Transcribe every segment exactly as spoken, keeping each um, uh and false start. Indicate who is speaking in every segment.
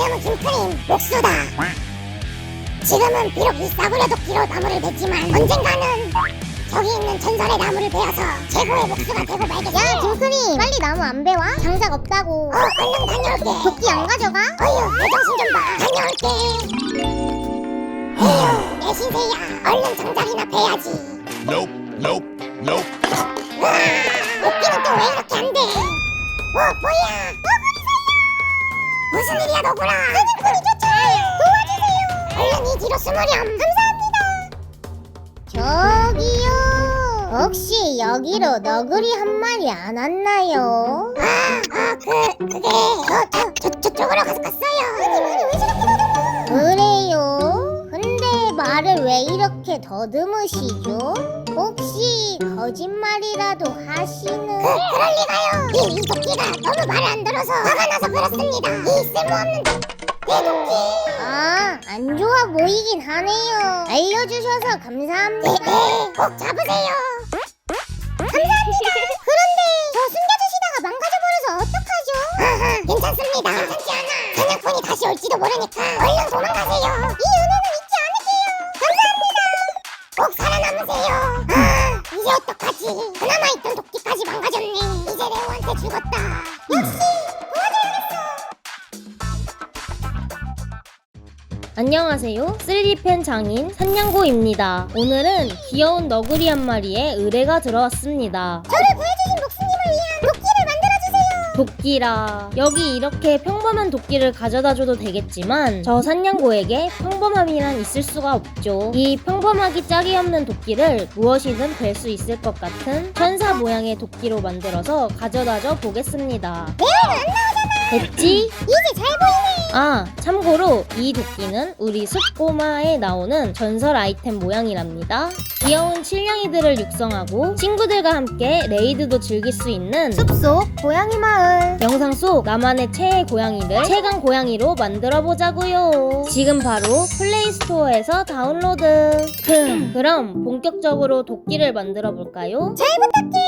Speaker 1: 왜냐면 김크림 목수다. 지금은 비록 이 싸구려 도끼로 나무를 뱉지만 언젠가는 저기 있는 전설의 나무를 베어서 최고의 목수가 되고 말겠지.
Speaker 2: 야 김크림 빨리 나무 안 베와? 장작 없다고.
Speaker 1: 어 얼른 다녀올게.
Speaker 2: 도끼 안 가져가?
Speaker 1: 어휴 내 정신 좀 봐. 다녀올게. 에휴 내 신세야. 얼른 장작이나 베야지.
Speaker 3: Nope, nope, nope.
Speaker 1: 우와 도끼는 또 왜 이렇게 안 돼? 어 뭐야? 무슨 일이야 너구나. 사냥꾼이 쫓아와요. 도와주세요. 얼른 이 뒤로 숨으렴. 감사합니다.
Speaker 2: 저기요 혹시 여기로 너구리 한 마리 안 왔나요?
Speaker 1: 아아그 그게 저 저 저 저쪽으로 가서 갔어요. 아니 말이 왜 저렇게 더듬어?
Speaker 2: 그래요? 근데 말을 왜 이렇게 더듬으시죠? 혹시 거짓말이라도 하시는?
Speaker 1: 그 그럴 리가요. 이, 이 도끼가 너무 말을 안 들어서 화가 나서 그렇습니다. 이 쓸모없는 내 도끼.
Speaker 2: 아, 안 좋아 보이긴 하네요. 알려주셔서 감사합니다.
Speaker 1: 네네 꼭 잡으세요.
Speaker 2: 감사합니다. 그런데 저 숨겨주시다가 망가져버려서 어떡하죠?
Speaker 1: 하하 괜찮습니다. 괜찮지 않아. 사냥꾼이 다시 올지도 모르니까 얼른 도망가세요.
Speaker 2: 이 은혜는 잊지 않을게요. 감사합니다.
Speaker 1: 꼭 살아남으세요. 아 이제 어떡하지. 그나마 있던 도끼까지 망가졌네. 이제 레오한테 죽었다. 역시
Speaker 4: 안녕하세요. 쓰리디펜 장인 산냥고입니다. 오늘은 귀여운 너구리 한 마리의 의뢰가 들어왔습니다.
Speaker 2: 저를 구해주신 목수님을 위한 도끼를 만들어주세요.
Speaker 4: 도끼라. 여기 이렇게 평범한 도끼를 가져다줘도 되겠지만 저 산냥고에게 평범함이란 있을 수가 없죠. 이 평범하기 짝이 없는 도끼를 무엇이든 될 수 있을 것 같은 천사 모양의 도끼로 만들어서 가져다줘 보겠습니다.
Speaker 2: 레오는 안 나오잖아.
Speaker 4: 됐지?
Speaker 2: 이제 잘 보이네.
Speaker 4: 아, 참고로 이 도끼는 우리 숲꼬마에 나오는 전설 아이템 모양이랍니다. 귀여운 칠냥이들을 육성하고 친구들과 함께 레이드도 즐길 수 있는
Speaker 2: 숲속 고양이 마을.
Speaker 4: 영상 속 나만의 최애 고양이를 최강 고양이로 만들어 보자고요. 지금 바로 플레이 스토어에서 다운로드. 흠, 그럼 본격적으로 도끼를 만들어 볼까요?
Speaker 2: 잘 부탁해.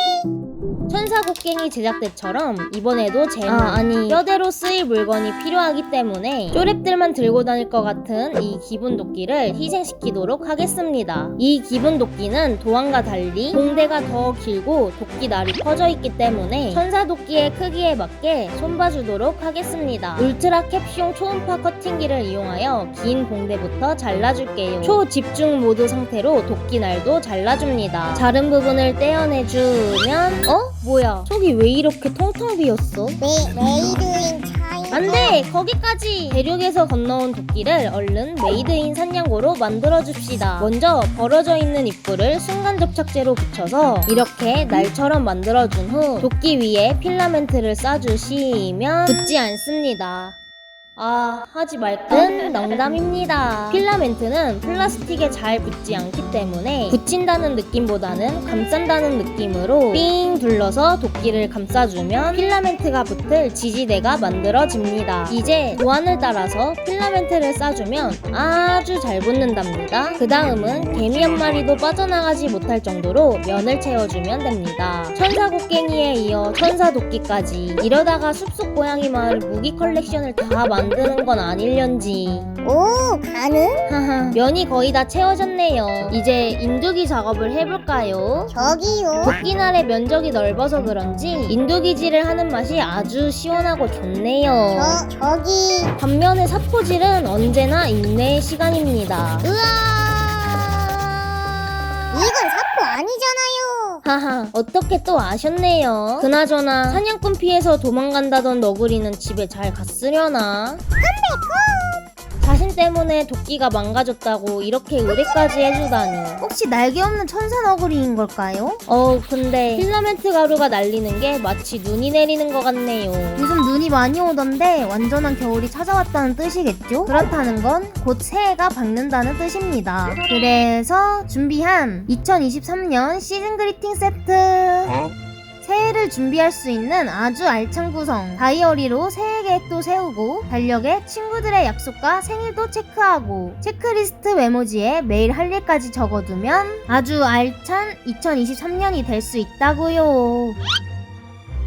Speaker 4: 천사 곡괭이 제작 때처럼 이번에도 재물, 아, 아니 뼈대로 쓰일 물건이 필요하기 때문에 쪼랩들만 들고 다닐 것 같은 이 기본 도끼를 희생시키도록 하겠습니다. 이 기본 도끼는 도안과 달리 공대가 더 길고 도끼 날이 퍼져 있기 때문에 천사 도끼의 크기에 맞게 손봐주도록 하겠습니다. 울트라 캡숑 초음파 커팅기를 이용하여 긴 공대부터 잘라줄게요. 초집중 모드 상태로 도끼 날도 잘라줍니다. 자른 부분을 떼어내주면 어? 뭐야? 저기 왜 이렇게 텅텅 비었어?
Speaker 2: 네, 메이드인 차이나.
Speaker 4: 안돼! 거기까지! 대륙에서 건너온 도끼를 얼른 메이드인 산냥고로 만들어줍시다. 먼저 벌어져 있는 입구를 순간 접착제로 붙여서 이렇게 날처럼 만들어준 후 도끼 위에 필라멘트를 싸주시면 붙지 않습니다. 아, 하지 말건 농담입니다. 필라멘트는 플라스틱에 잘 붙지 않기 때문에 붙인다는 느낌보다는 감싼다는 느낌으로 삥 둘러서 도끼를 감싸주면 필라멘트가 붙을 지지대가 만들어집니다. 이제 도안을 따라서 필라멘트를 싸주면 아주 잘 붙는답니다. 그 다음은 개미 한 마리도 빠져나가지 못할 정도로 면을 채워주면 됩니다. 천사 곡괭이에 이어 천사 도끼까지. 이러다가 숲속 고양이 마을 무기 컬렉션을 다 만 만드는 건 아닐련지.
Speaker 2: 오, 가능?
Speaker 4: 하하, 면이 거의 다 채워졌네요. 이제 인두기 작업을 해볼까요?
Speaker 2: 저기요.
Speaker 4: 도끼날의 면적이 넓어서 그런지 인두기질을 하는 맛이 아주 시원하고 좋네요.
Speaker 2: 저, 저기.
Speaker 4: 반면에 사포질은 언제나 인내의 시간입니다.
Speaker 2: 으아. 이건 사포 아니잖아요.
Speaker 4: 하하, 어떻게 또 아셨네요. 그나저나 사냥꾼 피해서 도망간다던 너구리는 집에 잘 갔으려나? 자신 때문에 도끼가 망가졌다고 이렇게 의뢰까지 해주다니.
Speaker 2: 혹시 날개 없는 천사 너구리인 걸까요?
Speaker 4: 어 근데 필라멘트 가루가 날리는 게 마치 눈이 내리는 것 같네요.
Speaker 2: 요즘 눈이 많이 오던데 완전한 겨울이 찾아왔다는 뜻이겠죠? 그렇다는 건 곧 새해가 밝는다는 뜻입니다. 그래서 준비한 이천이십삼 년 시즌 그리팅 세트. 새해를 준비할 수 있는 아주 알찬 구성. 다이어리로 새해 계획도 세우고 달력에 친구들의 약속과 생일도 체크하고 체크리스트 메모지에 매일 할 일까지 적어두면 아주 알찬 이천이십삼 년이 될 수 있다고요.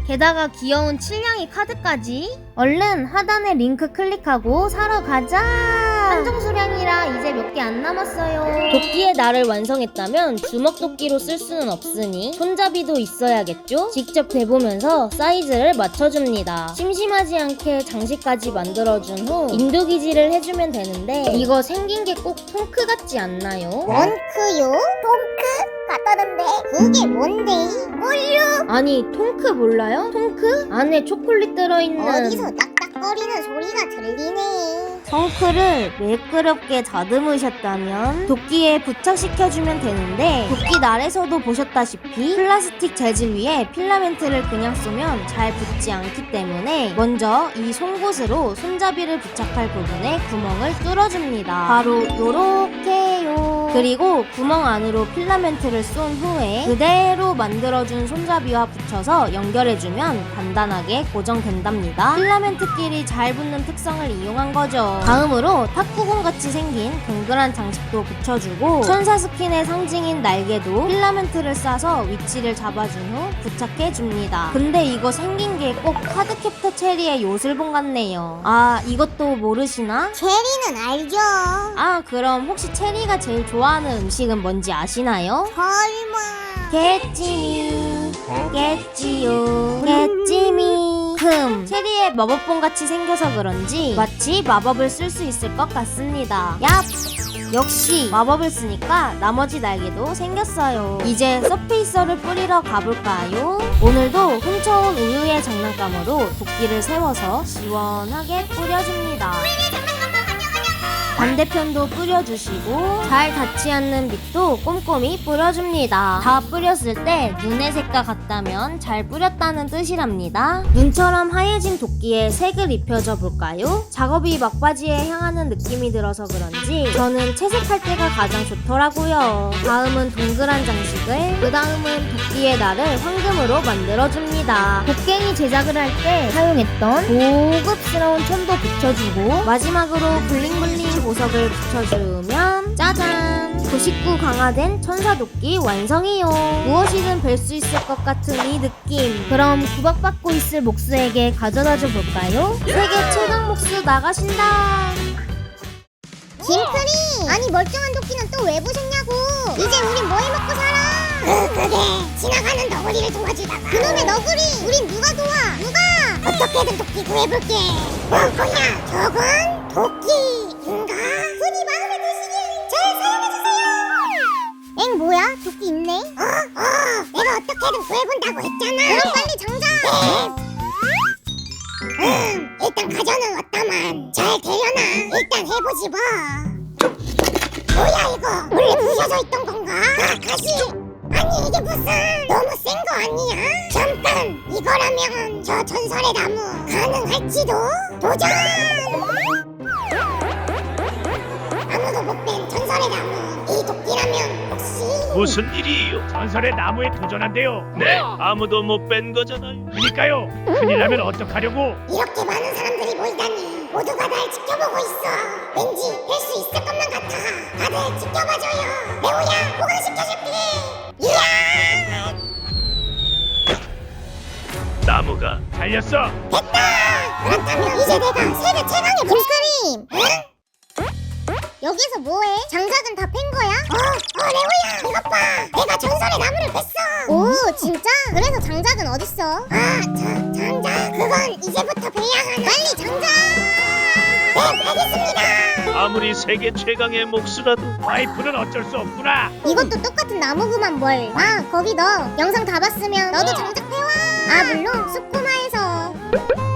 Speaker 2: 게다가 귀여운 칠냥이 카드까지. 얼른 하단에 링크 클릭하고 사러 가자. 한정 수량이라 이제 몇 개 안 남았어요.
Speaker 4: 도끼의 날을 완성했다면 주먹 도끼로 쓸 수는 없으니 손잡이도 있어야겠죠? 직접 대보면서 사이즈를 맞춰줍니다. 심심하지 않게 장식까지 만들어준 후 인두기질을 해주면 되는데 이거 생긴 게 꼭 통크 같지 않나요?
Speaker 1: 원크요? 통크? 같다던데 그게 뭔데? 몰라.
Speaker 2: 아니 통크 몰라요? 통크? 안에 초콜릿 들어있는
Speaker 1: 어디서 딱딱거리는 소리가 들리네.
Speaker 2: 성크를 매끄럽게 다듬으셨다면 도끼에 부착시켜주면 되는데 도끼 날에서도 보셨다시피 플라스틱 재질 위에 필라멘트를 그냥 쏘면 잘 붙지 않기 때문에 먼저 이 송곳으로 손잡이를 부착할 부분에 구멍을 뚫어줍니다. 바로 요렇게요. 그리고 구멍 안으로 필라멘트를 쏜 후에 그대로 만들어준 손잡이와 붙여서 연결해주면 간단하게 고정된답니다. 필라멘트끼리 잘 붙는 특성을 이용한 거죠. 다음으로 탁구공 같이 생긴 동그란 장식도 붙여주고 천사 스킨의 상징인 날개도 필라멘트를 싸서 위치를 잡아준 후 부착해줍니다. 근데 이거 생긴 게 꼭 카드캡터 체리의 요술봉 같네요. 아, 이것도 모르시나?
Speaker 1: 체리는 알죠.
Speaker 2: 아, 그럼 혹시 체리가 제일 좋아하는 음식은 뭔지 아시나요?
Speaker 1: 설마.
Speaker 2: 개찜이 겠지요 개찜이 흠 체리의 마법봉 같이 생겨서 그런지 마치 마법을 쓸 수 있을 것 같습니다. 얍! 역시 마법을 쓰니까 나머지 날개도 생겼어요. 이제 서페이서를 뿌리러 가볼까요? 오늘도 훔쳐온 우유의 장난감으로 도끼를 세워서 시원하게 뿌려줍니다. 반대편도 뿌려주시고 잘 닿지 않는 밑도 꼼꼼히 뿌려줍니다. 다 뿌렸을 때 눈의 색과 같다면 잘 뿌렸다는 뜻이랍니다. 눈처럼 하얘진 도끼에 색을 입혀줘 볼까요? 작업이 막바지에 향하는 느낌이 들어서 그런지 저는 채색할 때가 가장 좋더라고요. 다음은 동그란 장식을, 그 다음은 도끼의 날을 황금으로 만들어줍니다. 곡괭이 제작을 할 때 사용했던 고급스러운 천도 붙여주고 마지막으로 블링블링 보석을 붙여주면 짜잔! 구십구 강화된 천사도끼 완성이요. 무엇이든 뵐 수 있을 것 같은 이 느낌. 그럼 구박받고 있을 목수에게 가져다줘 볼까요? 세계 최강 목수 나가신다.
Speaker 1: 김크리! 아니 멀쩡한 도끼는 또 왜 부셨냐고. 이제 우린 뭐 해먹고 살아? 그, 그게 지나가는 너구리를 도와주다가 그놈의 너구리! 우린 누가 도와? 누가? 어떻게든 도끼 구해볼게. 뭐, 뭐야? 저건 도끼인가? 흔히 마음에 드시길 잘 사용해주세요. 엥 뭐야? 도끼 있네? 어? 어! 내가 어떻게든 구해본다고 했잖아. 그럼 빨리 장전! 음, 일단 가져는 왔다만 잘 되려나? 일단 해보지 뭐. 뭐야 이거? 원래 부셔져 있던 건가? 아, 가시! 아니 이게 무슨 너무 센 거 아니야? 잠깐! 이거라면 저 전설의 나무 가능할지도? 도전! 아무도 못 뺀 전설의 나무 이 도끼라면 혹시
Speaker 5: 무슨 일이에요? 전설의 나무에 도전한대요. 네, 아무도 못 뺀 거잖아요. 그니까요. 큰일 나면 어떡하려고?
Speaker 1: 이렇게 많은 사람들이 모이다니 모두가 날 지켜보고 있어. 왠지 될 수 있을 것만 같아. 다들 지켜봐줘요. 레오야 보강시켜줄게. 이야!
Speaker 5: 나무가 달렸어.
Speaker 1: 됐다! 그렇다면 이제 내가 세계 최강의 물그림! 응? 여기서 뭐해? 장작은 다 팬 거야? 어, 어 레오야 이것 봐! 내가 전설의 나무를 뺐어! 오 진짜? 그래서 장작은 어딨어? 아, 자, 장작 그건 이제부터 베야 하나. 빨리 장작! 네, 알겠습니다!
Speaker 5: 아무리 세계 최강의 목수라도 파이프는 어쩔 수 없구나.
Speaker 1: 이것도 똑같은 나무구만 뭘. 아 거기 너 영상 다 봤으면 너도 장작 패와. 아 물론 숲고마에서